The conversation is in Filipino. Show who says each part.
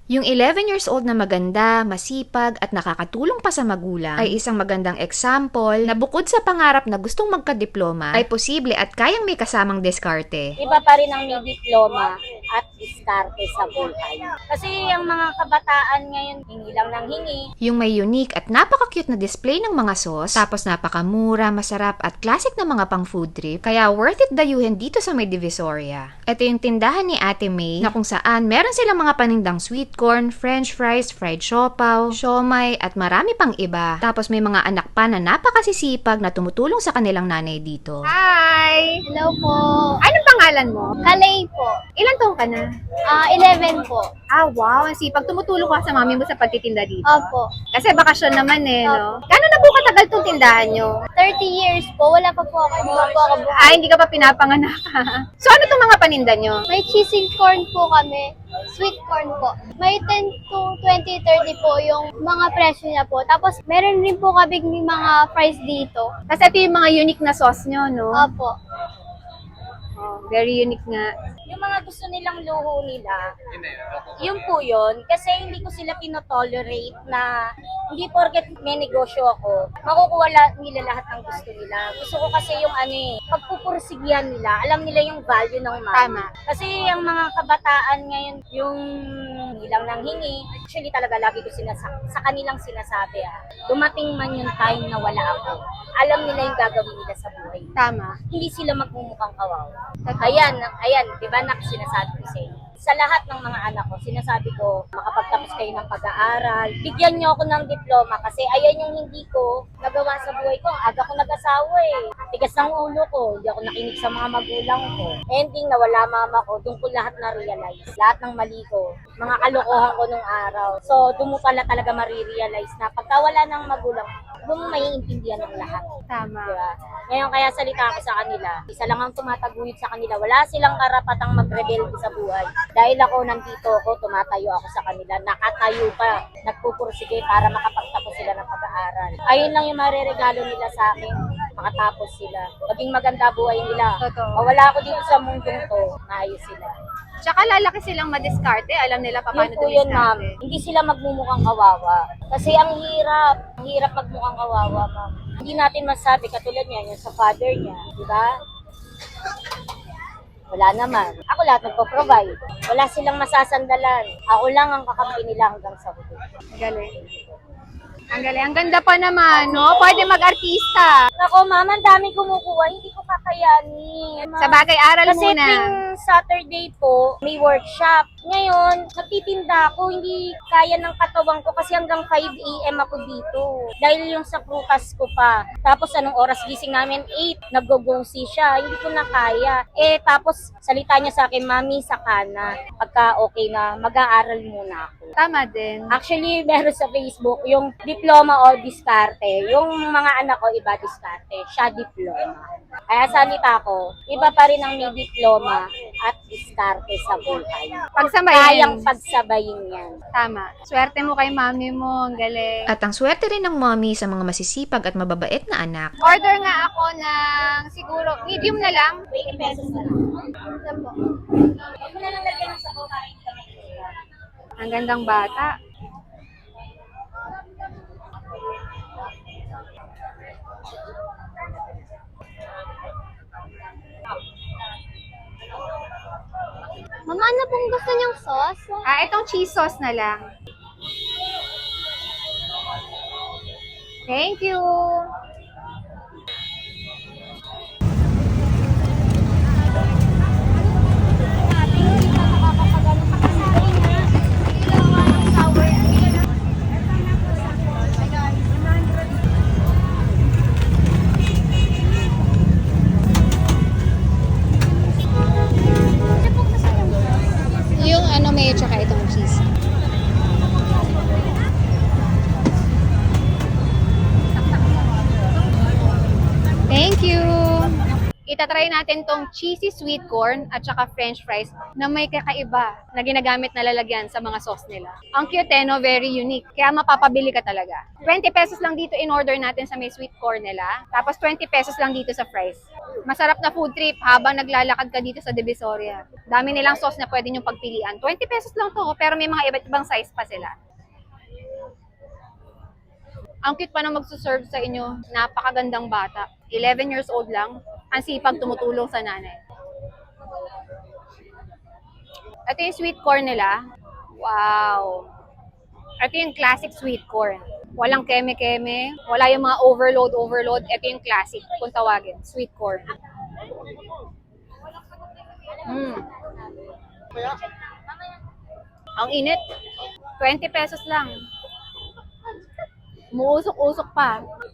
Speaker 1: Yung 11 years old na maganda, masipag at nakakatulong pa sa magulang ay isang magandang example na bukod sa pangarap na gustong magka-diploma ay posible at kayang may kasamang diskarte.
Speaker 2: Iba pa rin ang may diploma at diskarte sa buhay. Kasi ang mga kabataan ngayon, hingi lang ng hingi.
Speaker 1: Yung may unique at napaka-cute na display ng mga sauce, tapos napakamura, masarap at classic na mga pang food trip, kaya worth it dayuhin dito sa may Divisoria. Ito yung tindahan ni Ate May na kung saan meron silang mga panindang sweet corn, french fries, fried siopaw, siomay at marami pang iba. Tapos may mga anak pa na napakasisipag na tumutulong sa kanilang nanay dito.
Speaker 3: Hi!
Speaker 4: Hello po.
Speaker 3: Anong pangalan mo?
Speaker 4: Kalay po.
Speaker 3: Ilan taong ka na?
Speaker 4: 11 po.
Speaker 3: Ah, wow. Ang sipag. Tumutulong ka sa mami mo sa pagtitinda dito.
Speaker 4: Opo.
Speaker 3: Kasi bakasyon naman no? Gano'n na po katagal tong tindahan nyo?
Speaker 4: 30 years po. Wala pa po ako. Hindi pa po ako buhay.
Speaker 3: Ah, hindi ka pa pinapanganak. So, ano tong mga paninda nyo?
Speaker 4: May cheesy corn po kami. Sweet corn po. May 10 to 20, 30 po yung mga presyo niya po. Tapos, meron rin po kami mga fries dito.
Speaker 3: Kasi ito yung mga unique na sauce nyo, no?
Speaker 4: Opo.
Speaker 3: Oh, very unique nga.
Speaker 2: Yung mga gusto nilang luho nila, yun po yun. Kasi hindi ko sila pinotolerate na hindi porket may negosyo ako, makukuha nila lahat ng gusto nila. Gusto ko kasi yung pagpupursigihan nila, alam nila yung value ng money.
Speaker 3: Tama.
Speaker 2: Kasi ang mga kabataan ngayon, yung hilang ng hingi, actually talaga lagi ko sa kanilang sinasabi, dumating man yung time na wala ako, alam nila yung gagawin nila sa buhay.
Speaker 3: Tama.
Speaker 2: Hindi sila magmumukhang kawawa. Ayan, di ba sinasabi ko sa inyo. Sa lahat ng mga anak ko, sinasabi ko, makapagtapos kayo ng pag-aaral, bigyan niyo ako ng diploma kasi ayan yung hindi ko nagawa sa buhay ko. Ang aga ko nag-asawa tigas ng ulo ko, hindi ako nakinig sa mga magulang ko. Ending na wala mama ko, doon ko lahat na-realize. Lahat ng mali ko, mga kalokohan ko nung araw. So, doon mo pala talaga marirealize na pagka wala ng magulang, doon mo maiintindihan ng lahat.
Speaker 3: Tama.
Speaker 2: Diba? Ngayon kaya salita ako sa kanila, isa lang ang tumataguyod sa kanila, wala silang karapatang mag-rebelde sa buhay. Dahil ako nandito ako, tumatayo ako sa kanila, nakatayo pa, nagpupursige para makapagtapos sila ng pag-aaral. Ayun lang yung mareregalo nila sa akin, makatapos sila. Maging maganda buhay nila.
Speaker 3: Totoo.
Speaker 2: Wala ako dito sa mundong to, maayos sila.
Speaker 3: Tsaka lalaki silang madiskarte. Alam nila pa paano
Speaker 2: Yun po yun, ma'am.
Speaker 3: dumiskarte.
Speaker 2: Hindi sila magmumukhang kawawa. Kasi ang hirap magmukhang kawawa, ma'am. Hindi natin masabi, katulad niya, yung sa father niya, di ba? Wala naman. Ako lahat nagpo-provide. Wala silang masasandalan. Ako lang ang kakampi nila hanggang sa huli.
Speaker 3: Galing. Ang galing. Ang ganda pa naman, no? Pwede mag-artista.
Speaker 2: Ako, ma'am, ang dami kumukuha. Hindi ko kakayanin.
Speaker 3: Sa bagay, aral
Speaker 2: Kasi
Speaker 3: muna.
Speaker 2: tuwing Saturday po, may workshop. Ngayon, nagtitinda ako, hindi kaya ng katawan ko kasi hanggang 5 a.m. ako dito. Dahil yung sa prutas ko pa. Tapos anong oras gising namin? 8. Nag-go-go-see siya. Hindi ko na kaya. Tapos salita niya sa akin, Mami, saka na. Pagka okay na, mag-aaral muna ako.
Speaker 3: Tama din.
Speaker 2: Actually, meron sa Facebook yung diploma o diskarte. Yung mga anak ko, iba diskarte. Siya diploma. Kaya salita ko, iba pa rin ang may diploma at diskarte sa buhay. Kayang
Speaker 3: Pagsabayin.
Speaker 2: pagsabayin yan.
Speaker 3: Tama. Swerte mo kay mami mo. Ang galing.
Speaker 1: At ang swerte rin ng mommy sa mga masisipag at mababait na anak.
Speaker 3: Order nga ako ng siguro medium na lang.
Speaker 2: 20 pesos na lang.
Speaker 4: Ito po.
Speaker 2: Huwag mo na lang lagyan ng sabaw kain kami.
Speaker 3: Ang gandang bata.
Speaker 4: Mama, ano pong gusto niyong sauce?
Speaker 3: Ah, itong cheese sauce na lang. Thank you. Yung may tsaka itong cheese. Itatry natin tong cheesy sweet corn at saka french fries na may kakaiba na ginagamit na lalagyan sa mga sauce nila. Ang cute no? Very unique. Kaya mapapabili ka talaga. 20 pesos lang dito in order natin sa may sweet corn nila. Tapos 20 pesos lang dito sa fries. Masarap na food trip habang naglalakad ka dito sa Divisoria. Dami nilang sauce na pwede nyo pagpilian. 20 pesos lang to, pero may mga iba't ibang size pa sila. Ang cute pa na magsuserve sa inyo. Napakagandang bata. 11 years old lang. Ang sipag tumutulong sa nanay. Ito yung sweet corn nila. Wow! Ito yung classic sweet corn. Walang keme-keme. Wala yung mga overload. Ito yung classic. Kung tawagin. Sweet corn. Ang init. 20 pesos lang. Umuusok-usok pa.